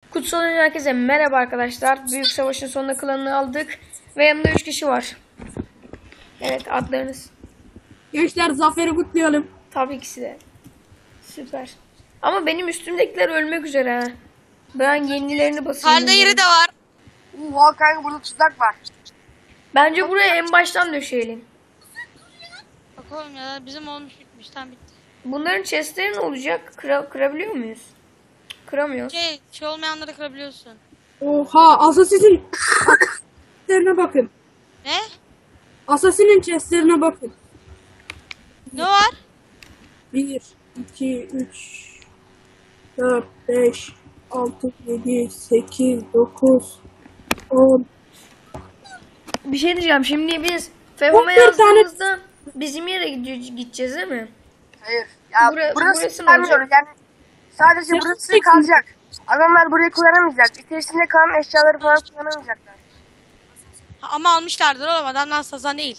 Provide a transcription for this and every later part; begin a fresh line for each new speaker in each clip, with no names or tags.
Kutsal Oyun herkese merhaba arkadaşlar. Büyük Savaş'ın sonunda klanını aldık. Ve yanımda 3 kişi var. Evet, adlarınız.
Gençler zaferi kutlayalım.
Tabii ikisi de. Süper. Ama benim üstümdekiler ölmek üzere ha. Ben yenilerini basayım.
Halde yeri de var.
Oha kanka burada tuzak var.
Bence buraya en baştan döşeyelim.
Bakalım ya bizim olmuş bitmiş tam bitti.
Bunların chestleri ne olacak? Kırabiliyor muyuz? Kıramıyoruz.
Şey olmayanları kırabiliyorsun.
Oha Assassin'in chestlerine bakın.
Ne?
Assassin'in chestlerine bakın.
Ne var?
1, 2, 3, 4, 5, 6, 7, 8, 9, 10.
Bir şey diyeceğim. Şimdi biz Fehom'a
11 tane-
yazdığımızda bizim yere gideceğiz değil mi?
Hayır. Ya
Burası
burası
ne
istemiyoruz
olacak?
yani. Sadece
Ya,
burası
peki.
kalacak. Adamlar burayı kullanamayacak. İçerisinde kalan eşyaları falan kullanamayacaklar.
Ama almışlardır oğlum adamdan sazan değil.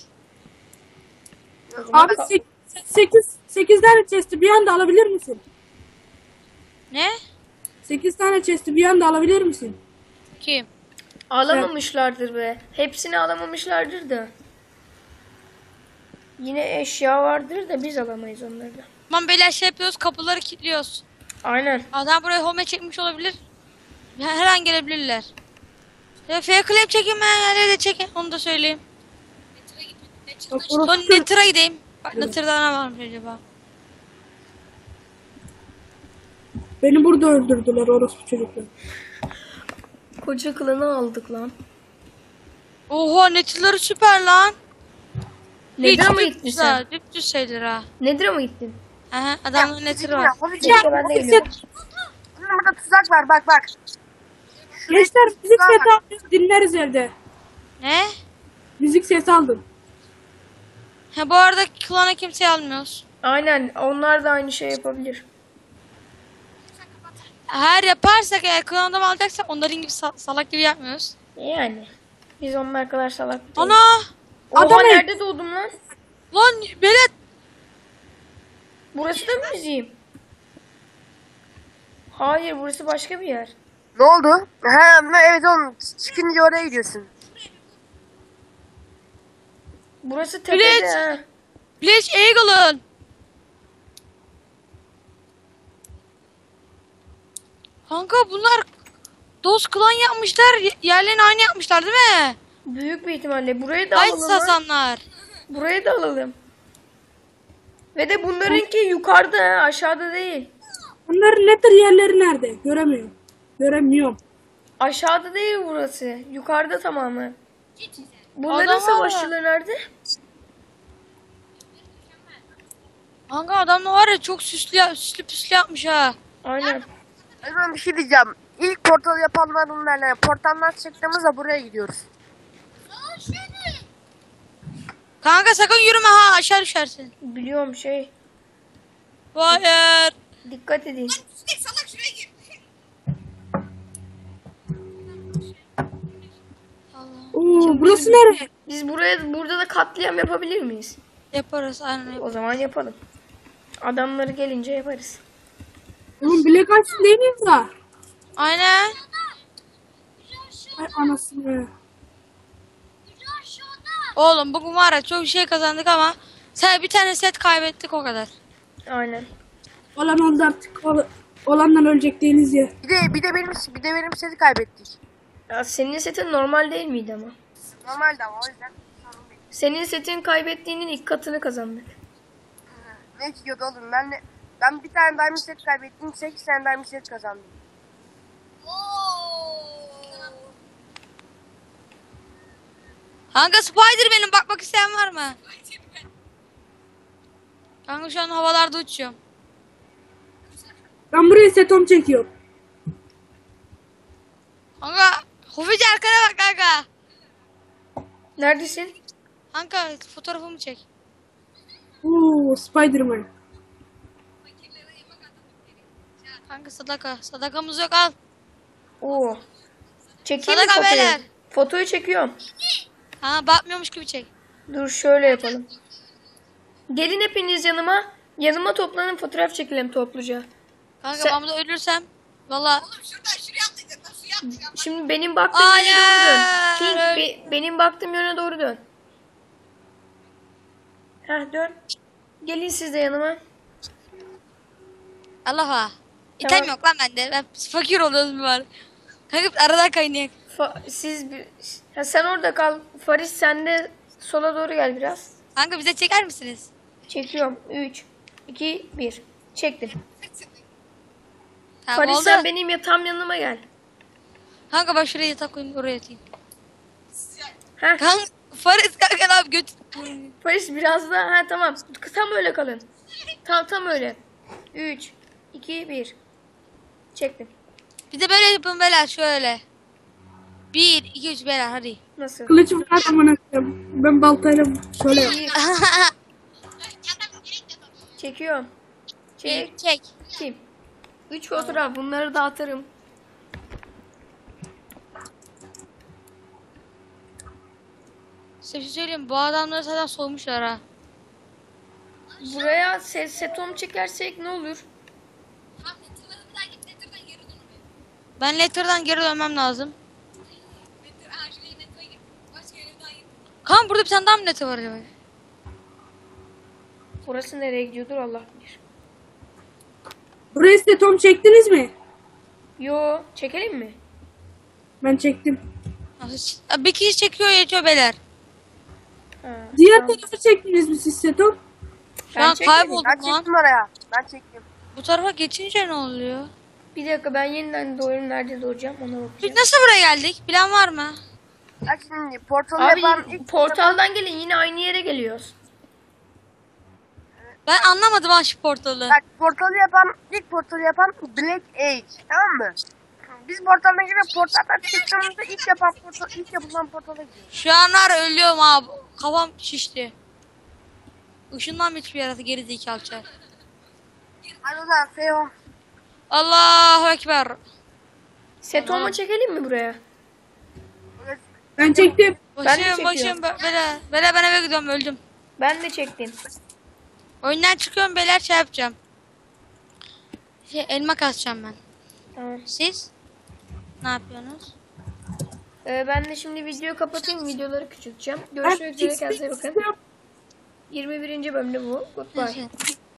Abi 8 tane chest'i bir anda alabilir misin?
Ne?
8 tane chest'i bir anda alabilir misin?
Kim?
Alamamışlardır be. Hepsini alamamışlardır da. Yine eşya vardır da biz alamayız onları da.
Tamam beyler şey yapıyoruz kapıları kilitliyoruz.
Aynen.
Adam buraya home çekmiş olabilir. Her an gelebilirler. Fake claim çekin ben yerleri de çekin onu da söyleyeyim.
Bak,
Son
orası-
Nether'a gideyim. Bak Nether'da ne varmış acaba?
Beni burada öldürdüler orospu çocuklar.
Koca klanı aldık lan.
Oha Nether'ları süper lan.
Nedir'a mı
Hiç
gittin
düz
sen?
ha, düz şeyler ha.
Nedir'a mı gittin?
Aha adamın Nether'ı var.
Ya, hobi
Keşke ben de geliyorum.
burada tuzak var bak bak.
Gençler müzik
Daha
sesi
var.
aldım, dinleriz evde.
Ne?
Müzik sesi aldım.
Ha bu arada klana kimseyi almıyoruz.
Aynen. Onlar da aynı şey yapabilir.
Her yaparsak eğer klan adam alacaksak onların gibi salak gibi yapmıyoruz.
Yani. Biz onlar kadar salak değiliz.
Ana!
Oha,
Adam-
nerede doğdum lan?
Lan Belet!
Burası da mı bizim? Hayır, burası başka bir yer.
Ne oldu? Ha evet oğlum çıkınca oraya gidiyorsun.
Burası tepede.
Bilet!
ha.
Bleach Eagle'ın! Kanka bunlar Dost klan yapmışlar. Yerlerini aynı yapmışlar değil mi?
Büyük bir ihtimalle. Burayı da
Ay
alalım. lan.
sazanlar.
Burayı da alalım. Ve de bunlarınki yukarıda ha, aşağıda değil.
Bunların nether yerleri nerede? Göremiyorum. Göremiyorum.
Aşağıda değil burası. Yukarıda tamamı. Bunların
Adam var ya.
savaşçıları nerede?
Kanka adam da var ya çok süslü püslü yapmış ha.
Aynen.
Ben bir şey diyeceğim. İlk portal yapanlar bunlarla. Portaldan çıktığımızda buraya gidiyoruz.
Kanka sakın yürüme ha aşağı düşersin.
Biliyorum şey.
Hayır.
Dikkat edin.
Oo, burası nereye?
Biz burada da katliam yapabilir miyiz?
Yaparız aynen.
O zaman yapalım. Adamları gelince yaparız.
Oğlum Black Ice'ın değil miyiz daha?
Aynen.
Ay anasını.
Oğlum bugün var ya çok şey kazandık ama sen bir tane set kaybettik o kadar.
Aynen.
Olan oldu artık. Olandan ölecek değiliz ya.
Bir de benim seti kaybettik.
Ya senin setin normal değil miydi ama?
Normalde ama o yüzden sorun değil.
Senin setin kaybettiğinin ilk katını kazandık.
Ne çıkıyordu oğlum ben bir tane diamond set kaybettim 8 tane diamond set kazandım.
Kanka Spider-Man'im bakmak isteyen var mı? Kanka şu an havalarda uçuyorum.
Ben buraya setom çekiyorum.
Kanka Hufici arkana bak kanka.
Neredesin?
Kanka fotoğrafımı çek.
Oo Spider-Man.
Kanka sadaka. Sadakamız yok al.
Oo. Çekeyim mi
Sadaka
fotoğrafı?
beyler.
Fotoyu çekiyorum.
Ha bakmıyormuş gibi çek.
Dur şöyle yapalım. Gelin hepiniz yanıma. Yanıma toplanın, fotoğraf çekelim topluca.
Kanka
Sen-
ben burada ölürsem valla
Şimdi benim baktığım yöne doğru dön.
Hayır.
King benim baktığım yöne doğru dön. Heh dön. Gelin siz de yanıma.
Allah'a. İtem
Tamam.
yok lan bende. Ben fakir oluyorum var. Kanka aradan kaynıyor.
Ha, sen orada kal. Faris sen de sola doğru gel biraz.
Kanka bize çeker misiniz?
Çekiyorum. 3, 2, 1. Çektim.
Tamam
Faris
oldu.
sen benim yatağım yanıma gel.
Kanka ben şuraya yatak koyayım oraya yatayım.
Heh.
Kanka Faris kanka ne yap göt.
Faris biraz daha. Ha tamam. Tam öyle kalın. Tam öyle. 3, 2, 1. Çektim.
Bir de böyle yapın beyler şöyle. 1, 2, 3 beyler hadi.
Nasıl?
Kılıcım var amına koyayım. Ben baltayla şöyle yap.
Bir. Çekiyorum.
Bir, çek.
Çektim. 3 fotoğraf. Bunları da atarım.
Size bir şey söyleyeyim bu adamları zaten soğumuşlar ha.
Buraya setom çekersek ne olur?
Ben Letter'dan geri dönmem lazım. Kanka burada bir tane daha mı Letter var acaba?
Burası nereye gidiyordur Allah bilir.
Buraya size Tom çektiniz mi?
Yo, çekelim mi?
Ben çektim.
Bir kişi çekiyor yetiyor beyler.
Ha,
Diğer
tamam.
tarafı çektiniz mi siz Setom?
Şu
Ben
an
çekmedim.
kayboldum
Ben
lan.
çektim oraya. Ben çektim.
Bu tarafa geçince ne oluyor?
Bir dakika ben yeniden doğruyum. Nerede doğacağım ona
Biz
bakacağım.
nasıl buraya geldik? Plan var mı?
Bak şimdi portalı
Abi
yapan ilk
portaldan gelin yine aynı yere geliyoruz.
Ben anlamadım ha şu portalı.
Bak portalı yapan ilk portalı yapan Black Age, tamam mı? Biz portaldan girip portaldan çıktığımızda ilk yapılan portala gidiyoruz.
Şu anlar ölüyorum abi. Kafam şişti. Işından hiçbir yaratı geri zekalı çar.
Hadi o zaman Feho.
Allahu Ekber.
Setomu çekelim mi buraya?
Ben çektim.
Ben de
Başım
çekiyorum.
bele ben eve gidiyorum öldüm.
Ben de çektim.
Oyundan çıkıyorum beyler şey yapacağım. Elma kasacağım ben.
Tamam.
Siz? Ne yapıyorsunuz?
Ben de şimdi videoyu kapatayım. Videoları küçülteceğim. Görüşmek üzere. Kendinize bakın. 21. bölümde bu. Goodbye.